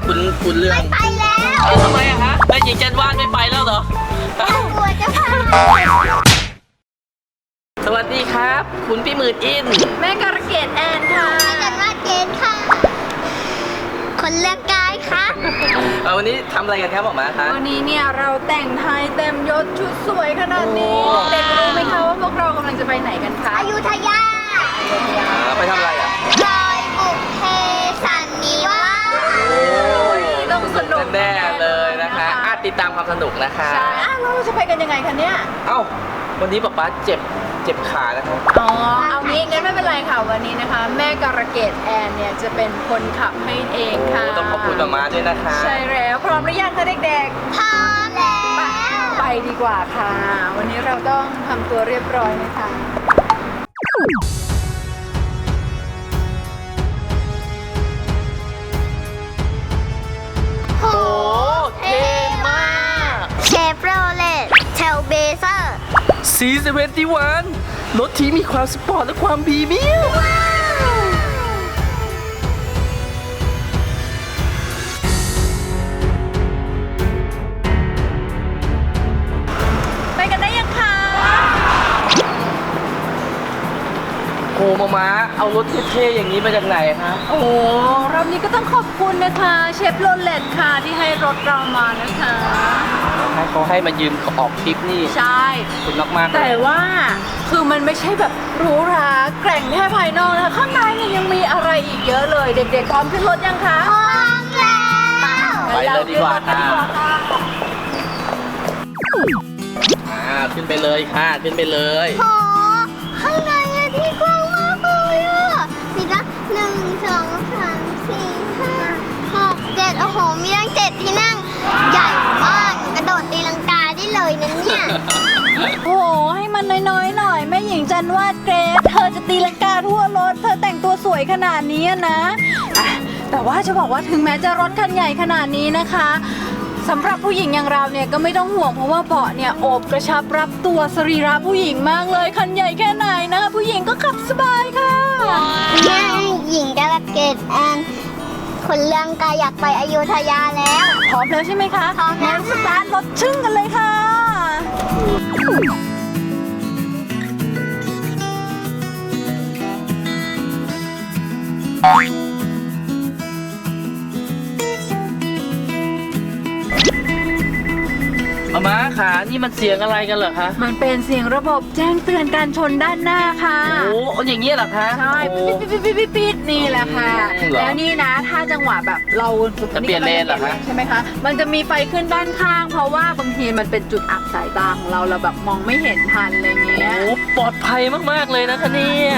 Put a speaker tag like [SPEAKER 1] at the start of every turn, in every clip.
[SPEAKER 1] คุณเรื่อง
[SPEAKER 2] ไม่ไปแล้ว
[SPEAKER 1] ทำไมอะคะแม่หญิงจันวาดไม่ไปแล้วเหรอ
[SPEAKER 2] กลัวจะพา
[SPEAKER 1] สวัสดีครับ คุณพี่หมื่นอิน
[SPEAKER 3] แม่การะเกดแอนค่ะ
[SPEAKER 2] ไม่กันว่าเกณฑ์ค่ะ คนเรื่องกายค่ะ
[SPEAKER 1] วันนี้ทำอะไรกันครับหมอมาคะ
[SPEAKER 3] วันนี้เนี่ยเราแต่งไทยเต็มยศชุดสวยขนาดนี้
[SPEAKER 1] โอ้
[SPEAKER 3] เด็กรู้ไหมคะว่าพวกเรากำลังจะไปไหนกันคะ
[SPEAKER 2] อยุธยา
[SPEAKER 1] ไปทำอะไรอ่ะ
[SPEAKER 2] ลอยบุกเพสันนิวาส
[SPEAKER 1] โอ้ย
[SPEAKER 3] ต้องสนุก
[SPEAKER 1] แน่ๆเลยนะคะติดตามความสนุกนะคะ
[SPEAKER 3] ใช่แล้วเราจะไปกันยังไงคะเนี่ย
[SPEAKER 1] เอ้าวันนี้ป๊าเจ็บขานะครับ
[SPEAKER 3] อ๋อ เอางี้งั้นไม่เป็นไรค่ะวันนี้นะคะ แม่การะเกดแอนเนี่ยจะเป็นคนขับให้เองค่ะ
[SPEAKER 1] โอ้ต้องขอบคุณมาด้วยนะคะ
[SPEAKER 3] ใช่แล้วพร้อมหรือยังคะเด็ก
[SPEAKER 2] พร้อมแล้ว
[SPEAKER 3] ๆ ไปดีกว่าค่ะ วันนี้เราต้องทำตัวเรียบร้อยนะคะ
[SPEAKER 2] โห
[SPEAKER 1] เท่มาก
[SPEAKER 2] เชฟโรเลตเทลเบเซอร์
[SPEAKER 1] C71 รถที่มีความสปอร์ตและความพรีเมียม
[SPEAKER 3] ไปกันได้ยังคะ
[SPEAKER 1] โอ้มาเอารถเท่ๆอย่างนี้มาจากไหนคะ
[SPEAKER 3] โอ้รอบนี้ก็ต้องขอบคุณนะคะเชฟโรเลตค่ะที่ให้รถเรามานะคะ
[SPEAKER 1] ให้เขาให้มายืมออกทริปนี่
[SPEAKER 3] ใช่
[SPEAKER 1] ขอบคุณมากๆเล
[SPEAKER 3] แต่
[SPEAKER 1] ย
[SPEAKER 3] ว่าคือมันไม่ใช่แบบหรูหราแกร่งแค่ภายนอกนะคะข้างในเนี่ยยังมีอะไรอีกเยอะเลย เด็กๆพร้อมขึ้นรถยังคะ
[SPEAKER 2] พร้อมแล้ว
[SPEAKER 1] ไปเลยดีกว่าค่ะ
[SPEAKER 3] งั้นเราขึ้นรถกันดีกว่าค่ะ
[SPEAKER 1] ขึ้นไปเลยค่ะขึ้นไปเลย
[SPEAKER 2] โหข้างในอะที่กว้างมากเลยอะมีตั้ง1 2 3 4 5 6 7โอ้โห มีตั้ง7ที่นั่ง ใหญ่มากกระโดดตีลังกาได้เลยนะเนี่ย
[SPEAKER 3] โอ้โหให้มันน้อยๆหน่อยแม่หญิงจันวาดเกรซเธอจะตีลังกาทั่วรถเธอแต่งตัวสวยขนาดนี้นะอ่ะแต่ว่าจะบอกว่าถึงแม้จะรถคันใหญ่ขนาดนี้นะคะสำหรับผู้หญิงอย่างเราเนี่ยก็ไม่ต้องห่วงเพราะว่าเบาะเนี่ยโอบกระชับรับตัวสรีระผู้หญิงมากเลยคันใหญ่แค่ไหนนะผู้หญิงก็ขับสบายค่ะ
[SPEAKER 2] แม่หญิงกระเกดแอนคนเรื่องกายอยากไปอยุธยาแล้ว
[SPEAKER 3] พร้อมแล้วใช่ไหมคะ
[SPEAKER 2] พร้อมแล้ว
[SPEAKER 3] งั้นสตาร์ทรถชึ่งกันเลยค่ะ
[SPEAKER 1] มาขานี่มันเสียงอะไรกันเหรอคะ
[SPEAKER 3] มันเป็นเสียงระบบแจ้งเตือนการชนด้านหน้าค่ะ
[SPEAKER 1] โอ้อย่างนี้เหรอคะ
[SPEAKER 3] ใช่
[SPEAKER 1] โอ้
[SPEAKER 3] ปิดนี่แหละค่ะ
[SPEAKER 1] เหรอ
[SPEAKER 3] แล้วนี่นะถ้าจังหวะแบบเรา
[SPEAKER 1] จะเปลี่ยนเลนเหรอคะ
[SPEAKER 3] ใช่ไหมคะ มันจะมีไฟขึ้นด้านข้าง เพราะว่าบางทีมันเป็นจุดอับสายตาของเราแบบมองไม่เห็นทันอะไรเงี้ย
[SPEAKER 1] โอ้ปลอดภัยมากๆเลยนะคะเนี่ย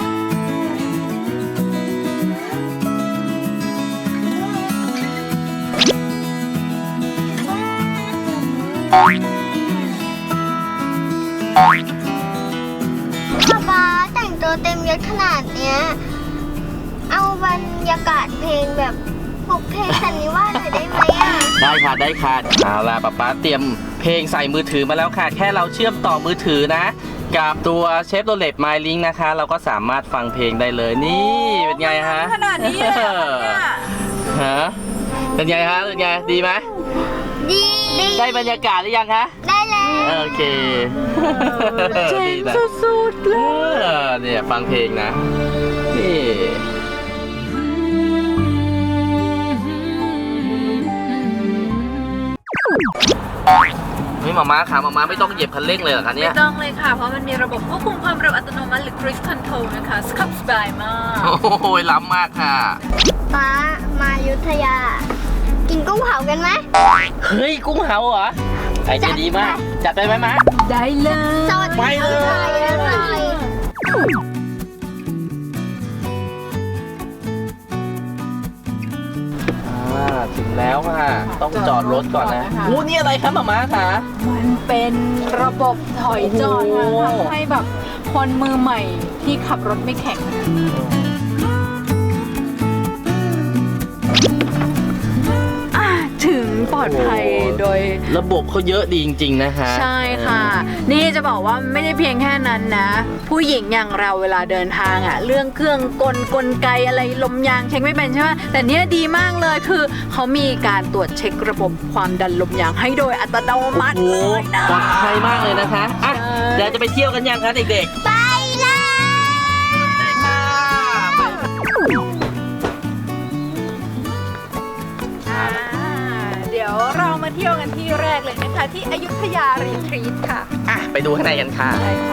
[SPEAKER 2] ป๊าแต่งตัวเต็มยศขนาดเนี้ย เอาบรรยากาศเพลงแบบบุกเพลงสันนิวาสหน่อยได้ไหมอ่ะ
[SPEAKER 1] ได้ค่ะได้ค่ะเอาล่ะป๊าเตรียมเพลงใส่มือถือมาแล้วค่ะ แค่เราเชื่อมต่อมือถือนะ กับตัวเชฟโรเลตไมลิงนะคะ เราก็สามารถฟังเพลงได้เลยนี่เป็นไงฮะ
[SPEAKER 3] ขนาดนี้เลยเหรอเนี่ย
[SPEAKER 1] ฮะเป็นไงฮะเป็นไงดีไหม
[SPEAKER 2] ดี
[SPEAKER 1] ได้บรรยากาศหรือยังคะ
[SPEAKER 2] ได้แล้ว
[SPEAKER 1] โอเค
[SPEAKER 3] เจ๋ง
[SPEAKER 1] ดีนะ
[SPEAKER 3] สุดๆเลย
[SPEAKER 1] เนี่ยฟังเพลงนะนี่นี่หมาค่ะหมาไม่ต้องเหยียบคันเร่งเลยเหรอคะเนี่ย
[SPEAKER 3] ไม่ต้องเลยค่ะ เพราะมันมีระบบควบคุมความเร็วอัตโนมัติหรือ Cruise Control นะคะขับสบายมาก
[SPEAKER 1] โอ้ยล้ำมากค่ะ
[SPEAKER 2] ป๊ามาอยุธยา กินกุ้งเผากันไหม
[SPEAKER 1] เฮ้ยกุ้งเผาเหรอไอเดียดีมาก จัดไปไหมมะ
[SPEAKER 3] ได้เลย
[SPEAKER 2] สด
[SPEAKER 1] ไปเลย
[SPEAKER 2] อร่อย
[SPEAKER 1] ถึงแล้วค่ะ ต้องจอดรถก่อนนะโอ้นี่อะไรครับหมาค่ะ
[SPEAKER 3] มันเป็นระบบถอยจอด
[SPEAKER 1] โอ้
[SPEAKER 3] ค่ะทำให้แบบคนมือใหม่ที่ขับรถไม่แข็งถึงปลอดภัยโดย
[SPEAKER 1] ระบบเขาเยอะดีจริงๆนะคะ
[SPEAKER 3] ใช่ค่ะ นี่จะบอกว่าไม่ได้เพียงแค่นั้นนะ ผู้หญิงอย่างเราเวลาเดินทางอะเรื่องเครื่องกลไกอะไรลมยางเช็คไม่เป็นใช่ไหมแต่เนี้ยดีมากเลยคือเขามีการตรวจเช็คระบบความดันลมยางให้โดยอัตโนมัติ
[SPEAKER 1] โอ้
[SPEAKER 3] เลยนะ
[SPEAKER 1] ปลอดภัยมากเลยนะคะอ่ะ
[SPEAKER 3] ใช่
[SPEAKER 1] เดี๋ยวจะไปเที่ยวกันยังคะเด็กๆ
[SPEAKER 2] ไปเลย
[SPEAKER 3] เดี๋ยวเรามาเที่ยวกันที่แรกเลยนะคะที่อยุธยารีทรีตค่ะ
[SPEAKER 1] อ่ะไปดูข้างในกันค่ะ
[SPEAKER 3] ใช่ค่ะ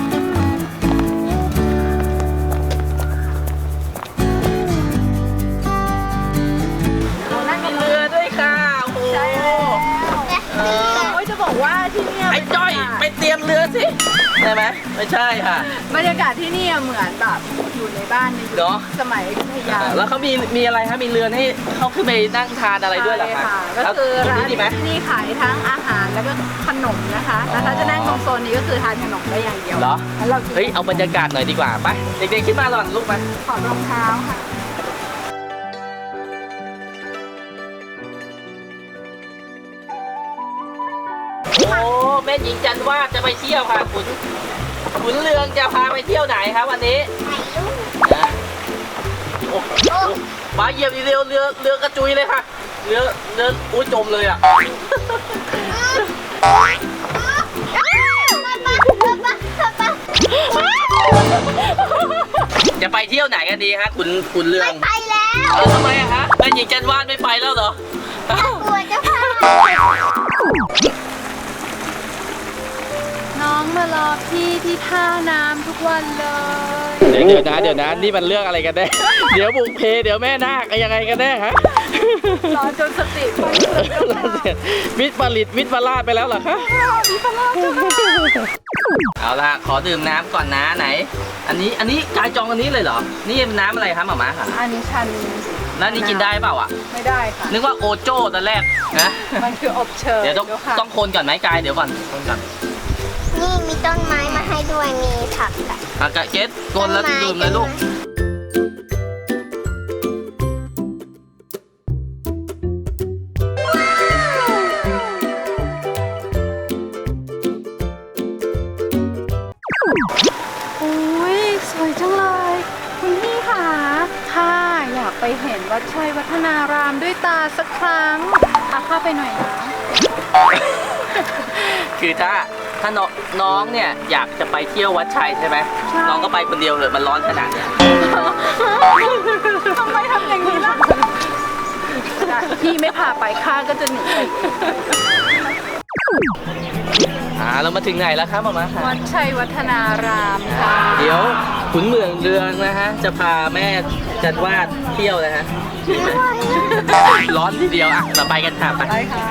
[SPEAKER 1] นั่งบนเรือด้วยค่ะโอ้โห
[SPEAKER 3] ใช่แล้วโอ้ยจะบอกว่าที่เนี่ย
[SPEAKER 1] ไอ้จ้อยไปเตรียมเรือสิใช่ไหมไม่ใช่ค่ะ
[SPEAKER 3] บรรยากาศที่เนี่ยเหมือนแบบอยู่ในบ้านในยุ
[SPEAKER 1] เนอะ
[SPEAKER 3] คสมัยอยุธยา
[SPEAKER 1] แล้วเขามีอะไรคะมีเรือนให้เขาขึ้นไปนั่งทานอะไรด้วยเหรอคะ
[SPEAKER 3] ใช่ค่ะก็คือ
[SPEAKER 1] ตรง
[SPEAKER 3] ร้าน
[SPEAKER 1] นี้ดีไหม
[SPEAKER 3] ที่นี่ขายทั้งอาหารแล้วก็ขนมนะคะแล้วถ้าจะนั่งตรงโซนนี้ก็คือทานขนมได้อย่างเดียว
[SPEAKER 1] เหรอ
[SPEAKER 3] แล้วเรากิน
[SPEAKER 1] เฮ้ยเอาบรรยากาศหน่อยดีกว่าไปเด็กๆขึ้นมาหล่อนลูกมา
[SPEAKER 3] ถอดรองเท้าค่ะ
[SPEAKER 1] โอ้แม่หญิงจันวาดจะไปเที่ยวค่ะขุนเรืองจะพาไปเที่ยวไหนครับวันนี้
[SPEAKER 2] ถ่ายรูป
[SPEAKER 1] โอ้มาเหยียบอีกเรือกระจุยเลยค่ะเรืออุ้ยจมเลยอ่ะ จะไปเที่ยวไหนกันดีฮะขุนเรือง
[SPEAKER 2] ไปแล้ว
[SPEAKER 1] ทำไมอะฮะแม่หญิงจันวาดไม่ไปแล้วเหรอ
[SPEAKER 2] กลัวจะพา
[SPEAKER 3] น้องมารอพี่ที่ท่าน้ำทุกวันเลย
[SPEAKER 1] เดี๋ยวนะนี่มันเรื่องอะไรกันแน่ เดี๋ยวบุกเพเดี๋ยวแม่นาคยังไงกันแน่ฮะ
[SPEAKER 3] รอจนสติไปเลย
[SPEAKER 1] วิทย์ผลิตวิทย์ประลาดไปแล้วเหรอคะ
[SPEAKER 3] พี่พลาดจ้า
[SPEAKER 1] เอาล่ะขอดื่มน้ำก่อนนะไหน อันนี้กายจองอันนี้เลยเหรอ นี่น้ำอะไรคะหม่าม้าค่ะ
[SPEAKER 3] อันนี้ชัน
[SPEAKER 1] แล้วนี่กินได้เปล่าอ่ะ
[SPEAKER 3] ไม่ได้ค่ะ
[SPEAKER 1] นึกว่าโอโจ้ตอนแรกนะ
[SPEAKER 3] มันคืออบเชย
[SPEAKER 1] เดี๋ยว
[SPEAKER 3] ค่ะ
[SPEAKER 1] ต้องคนก่อนไหมกายเดี๋ยวก่อนคนก่อน
[SPEAKER 2] นี่มีต้นไม้มาให้ด้วย มีผักอะ
[SPEAKER 1] อากาเกตคนแล้วดื่มเลยลูก
[SPEAKER 3] โอ้ยสวยจังเลยคุณพี่ค่ะค่ะอยากไปเห็นวัดชัยวัฒนารามด้วยตาสักครั้งพาเข้าไปหน่อยนะ
[SPEAKER 1] คือถ้าน้องเนี่ยอยากจะไปเที่ยววัดชัยใช่ไหม
[SPEAKER 3] ใช่
[SPEAKER 1] น้องก็ไปคนเดียวเลยมันร้อนขนาดเนี้ย
[SPEAKER 3] ทำไมทำอย่างนี้ล่ะพี่ไม่พาไปข้าก็จะหนีไป
[SPEAKER 1] เรามาถึงไหนแล้วครับหม่าม้าค่ะ
[SPEAKER 3] วัดชัยวัฒนารามค่ะ
[SPEAKER 1] เดี๋ยวขุนเมืองเรืองนะฮะจะพาแม่จันวาดเที่ยวนะฮะร้อนทีเดียวอ่ะเราไปกันค่ะไป
[SPEAKER 3] ได้ค่ะ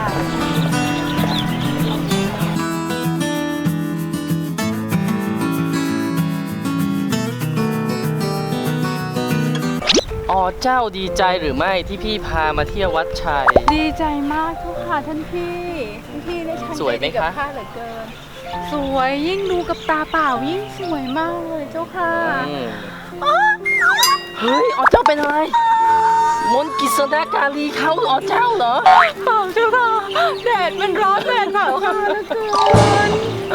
[SPEAKER 1] อ๋อเจ้าดีใจหรือไม่ที่พี่พามาเที่ยววัดชัย
[SPEAKER 3] ดีใจมากทุกค่ะท่านพี่ได้ชัน
[SPEAKER 1] สวยไหม
[SPEAKER 3] ใจดีกับ
[SPEAKER 1] คะ
[SPEAKER 3] ข้าเหลือเกิน สวยยิ่งดูกับตาเปล่ายิ่งสวยมากเลยเจ้าค่ะ
[SPEAKER 1] เฮ้ยอ๋อเจ้าเป็นอะไรมนต์กิษณาการีเขาอ๋อเจ้าเหรอ
[SPEAKER 3] เปล่าเจ้าค่ะแดดมันร้อนแดดเผาค่ะเหลือเกิน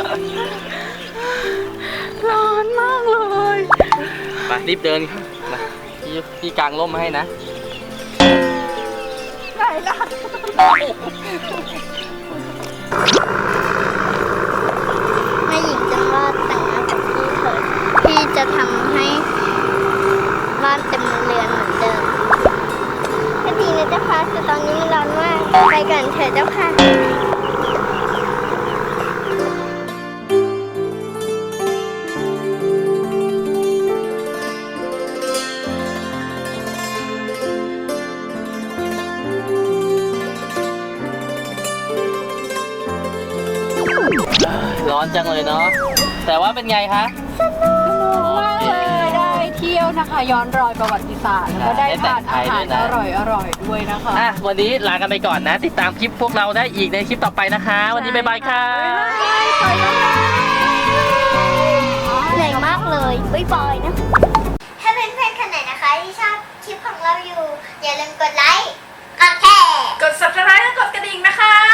[SPEAKER 3] ร้อนมากเลย
[SPEAKER 1] ไปรีบเดินค่ะมาพี่กางร่มมาให้นะ
[SPEAKER 3] ไหนล่ะ
[SPEAKER 2] แม่หญิงจะวาดแต่งงานกับพี่เถิดพี่จะทำให้บ้านเต็มเรือนเหมือนเดิมก็ดีนะเจ้าค่ะแต่ตอนนี้มันร้อนมากไปกันเถอะเจ้าค่ะ
[SPEAKER 1] ร้อนจังเลยเนาะแต่ว่าเป็นไงคะ
[SPEAKER 3] มากเลยได้เที่ยวนะคะ ย้อนรอยประวัติศาสตร์แล้วก็ได้ทานอาหารอร่อยด้วยนะคะ
[SPEAKER 1] วันนี้ลากันไปก่อนนะ ติดตามคลิปพวกเราได้อีกในคลิปต่อไปนะคะ วันนี้บ๊ายบายค่ะ
[SPEAKER 2] เหนื่อยมากเลยบ๊ายบายนะ ถ้าเพื่อนๆคนไหนนะคะที่ชอบคลิปของเราอยู่ อย่าลืมกดไลค์กดแชร์
[SPEAKER 3] กด subscribe และกดกระดิ่งนะคะ